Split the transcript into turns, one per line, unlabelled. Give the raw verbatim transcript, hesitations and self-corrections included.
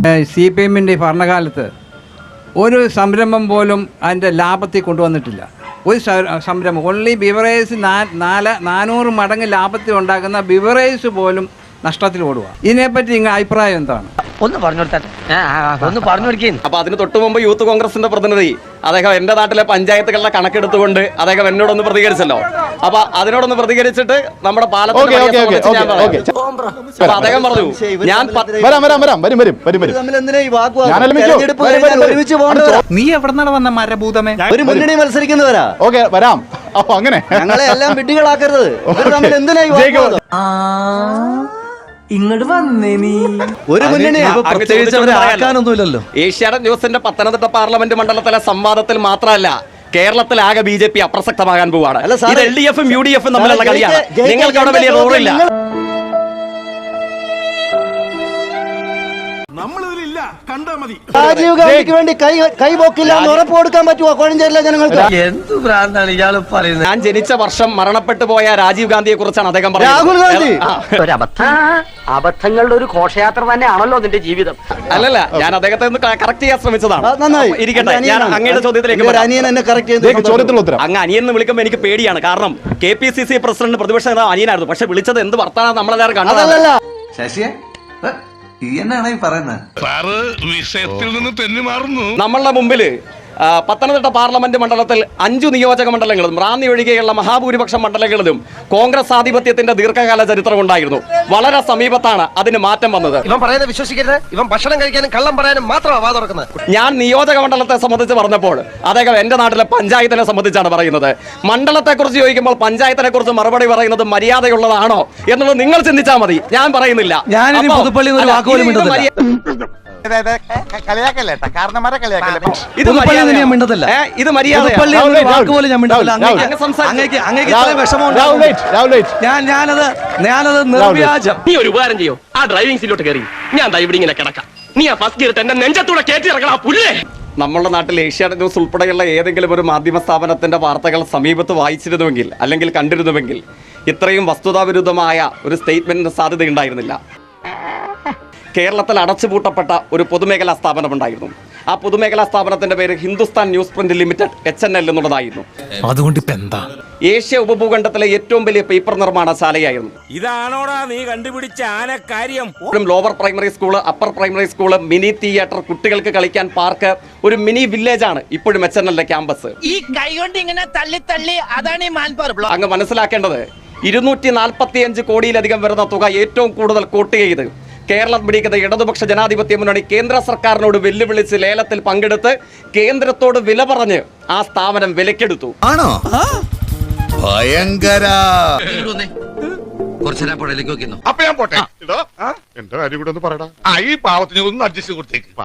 C P എമ്മിൻ്റെ ഭരണകാലത്ത് ഒരു സംരംഭം പോലും അതിൻ്റെ ലാഭത്തിൽ കൊണ്ടുവന്നിട്ടില്ല. ഒരു സംരംഭം ഓൺലി ബിവറേജ് നാല് നാനൂറ് മടങ്ങ് ലാഭത്തിൽ ഉണ്ടാക്കുന്ന ബിവറേജ് പോലും നഷ്ടത്തിൽ ഓടുക. ഇതിനെപ്പറ്റി നിങ്ങൾ അഭിപ്രായം എന്താണ്?
ഒന്ന് പറഞ്ഞു ഒന്ന് പറഞ്ഞു കൊടുക്കേ.
അപ്പൊ അതിന് തൊട്ടു മുമ്പ് യൂത്ത് കോൺഗ്രസിന്റെ പ്രതിനിധി അദ്ദേഹം എന്റെ നാട്ടിലെ പഞ്ചായത്തുകളുടെ കണക്കെടുത്തുകൊണ്ട് അദ്ദേഹം എന്നോടൊന്ന് പ്രതികരിച്ചല്ലോ. അപ്പൊ അതിനോടൊന്ന് പ്രതികരിച്ചിട്ട് നമ്മുടെ പാലത്തിന്റെ അദ്ദേഹം പറഞ്ഞു ഞാൻ
നീ എവിടെ വന്ന മരഭൂതമേ
ഒരു മുന്നണി മത്സരിക്കുന്നവരാ.
ഓക്കെ വരാം. അപ്പൊ അങ്ങനെ
ഞങ്ങളെ എല്ലാം വിഡ്ഢികളാക്കരുത്. എന്തിനാ
ഇങ്ങോട്ട് വന്നേ നീ
ഒരു മുന്നണി ആക്കാനൊന്നുമില്ലല്ലോ.
ഏഷ്യാനെറ്റ് ന്യൂസിന്റെ പത്തനംതിട്ട പാർലമെന്റ് മണ്ഡലത്തിലെ സംവാദത്തിൽ മാത്രമല്ല കേരളത്തിൽ ആകെ ബി ജെ പി അപ്രസക്തമാകാൻ പോവാണ്. ഇത് എൽ ഡി എഫും യു ഡി എഫും തമ്മിലുള്ള കളിയാണ്. നിങ്ങൾക്ക് അവിടെ വലിയ റോളില്ല.
രാജീവ് ഗാന്ധിക്ക് വേണ്ടി കൈ കൈപോക്കില്ല എന്ന് ഉറപ്പ് കൊടുക്കാൻ പറ്റുമോ കോഴഞ്ചേരിയിലെ ജനങ്ങൾക്ക്?
എന്ത് ഭ്രാന്താണ് ഇയാൾ പറയുന്നത്?
ഞാൻ ജനിച്ച വർഷം മരണപ്പെട്ടു പോയ രാജീവ് ഗാന്ധിയെ കുറിച്ചാണ് അദ്ദേഹം പറഞ്ഞത്.
രാഹുൽ ഗാന്ധി
ഒരു അബദ്ധം. അബദ്ധങ്ങളുടെ ഒരു ഘോഷയാത്ര തന്നെയാണല്ലോ നിന്റെ ജീവിതം.
അല്ലല്ല, ഞാൻ അദ്ദേഹത്തെ ഒന്ന് കറക്റ്റ് ചെയ്യാൻ ശ്രമിച്ചതാണ്.
നന്നായി
ഇരിക്കട്ടെ, ഞാൻ അങ്ങയുടെ ചോദ്യത്തിലേക്ക്
അനിയൻ എന്നെ കറക്റ്റ് ചെയ്ത്
അങ്ങ് അനിയൻ എന്ന് വിളിക്കുമ്പോൾ എനിക്ക് പേടിയാണ്. കാരണം K P C C president പ്രതിപക്ഷ നേതാവ് അനിയനായിരുന്നു. പക്ഷെ വിളിച്ചത് എന്ത് വർത്താനം നമ്മളെല്ലാവരും കണ്ടതല്ല.
ശശിയെ എന്നാണ് ഈ പറയുന്നത്? വിഷയത്തിൽ നിന്ന് തെന്നി മാറുന്നു.
നമ്മളുടെ മുമ്പില് പത്തനംതിട്ട പാർലമെന്റ് മണ്ഡലത്തിൽ അഞ്ചു നിയോജക മണ്ഡലങ്ങളും റാന്നി ഒഴികെയുള്ള മഹാഭൂരിപക്ഷം മണ്ഡലങ്ങളിലും കോൺഗ്രസ് ആധിപത്യത്തിന്റെ ദീർഘകാല ചരിത്രം ഉണ്ടായിരുന്നു. വളരെ സമീപത്താണ് അതിന് മാറ്റം വന്നത്.
ഇവൻ പറയുന്നത് വിശ്വസിക്കരുത്. ഇവൻ ഭക്ഷണം കഴിക്കാനും കള്ളം പറയാനും മാത്രമാണ് വാ തുറക്കുന്നത്.
ഞാൻ നിയോജക മണ്ഡലത്തെ സംബന്ധിച്ച് പറഞ്ഞപ്പോൾ അദ്ദേഹം എന്റെ നാട്ടിലെ പഞ്ചായത്തിനെ സംബന്ധിച്ചാണ് പറയുന്നത്. മണ്ഡലത്തെ കുറിച്ച് ചോദിക്കുമ്പോൾ പഞ്ചായത്തിനെ കുറിച്ച് മറുപടി പറയുന്നത് മര്യാദയുള്ളതാണോ എന്നുള്ളത് നിങ്ങൾ ചിന്തിച്ചാൽ മതി. ഞാൻ പറയുന്നില്ല. ഇത് മര്യാദ.
നീ ഒരു ഉപകാരം ചെയ്യോ? ആ ഡ്രൈവിംഗ് സീറ്റിലോട്ട് കയറി ഞാൻ ഇവിടെ ഇങ്ങനെ കിടക്കാം. നീ ആ ഫസ്റ്റ് ഗിയർ എന്റെ നെഞ്ചത്തൂടെ കയറ്റി ഇറക്കണം പുല്ലേ.
നമ്മുടെ നാട്ടിൽ ഏഷ്യാനെറ്റ് ന്യൂസ് ഉൾപ്പെടെയുള്ള ഏതെങ്കിലും ഒരു മാധ്യമ സ്ഥാപനത്തിന്റെ വാർത്തകൾ സമീപത്ത് വായിച്ചിരുന്നുവെങ്കിൽ അല്ലെങ്കിൽ കണ്ടിരുന്നുവെങ്കിൽ ഇത്രയും വസ്തുതാവിരുദ്ധമായ ഒരു സ്റ്റേറ്റ്മെന്റിന് സാധ്യതയുണ്ടായിരുന്നില്ല. കേരളത്തിൽ അടച്ചുപൂട്ടപ്പെട്ട ഒരു പൊതുമേഖലാ സ്ഥാപനമുണ്ടായിരുന്നു. ആ പൊതുമേഖലാ സ്ഥാപനത്തിന്റെ പേര് Hindustan newsprint limited H N L എന്നുള്ളതായിരുന്നു.
അതുകൊണ്ട് ഇപ്പൊ എന്താ?
ഏഷ്യ ഉപഭൂഖണ്ഡത്തിലെ ഏറ്റവും വലിയ പേപ്പർ നിർമ്മാണശാലയായിരുന്നു.
ഇതാണോടാ നീ കണ്ടുപിടിച്ച ആനക്കാര്യം?
Lower primary school, upper primary school, mini theatre, കുട്ടികൾക്ക് കളിക്കാൻ പാർക്ക്, ഒരു മിനി വില്ലേജ് ആണ് ഇപ്പോഴും എച്ച് എൻ എല്ലിന്റെ ക്യാമ്പസ്.
ഈ കൈ കൊണ്ട് ഇങ്ങനെ തള്ളി തള്ളി അതാണ് ഈ മാൻപവർ ബ്ലോക്ക്.
അങ്ങ് മനസ്സിലാക്കേണ്ടത് ഇരുന്നൂറ്റി നാൽപ്പത്തി അഞ്ച് കോടിയിലധികം വരുന്ന തുക ഏറ്റവും കൂടുതൽ കോട്ട് ചെയ്ത് കേരളം പിടിക്കുന്ന ഇടതുപക്ഷ ജനാധിപത്യ മുന്നണി കേന്ദ്ര സർക്കാരിനോട് വെല്ലുവിളിച്ച് ലേലത്തിൽ പങ്കെടുത്ത് കേന്ദ്രത്തോട് വില പറഞ്ഞ് ആ സ്ഥാപനം വിലക്കെടുത്തു.
ആണോ? ഭയങ്കര.
കുറച്ചേരാ പുഴയിലേക്ക് നോക്കുന്നു.
അപ്പൊ ഞാൻ പോട്ടെ. എന്റെ കാര്യം കൂടെ ഒന്ന് പറയടാ. ഈ പാവത്തിന് ഒന്ന് അഡ്ജസ്റ്റ് കൊടുത്തേക്ക്.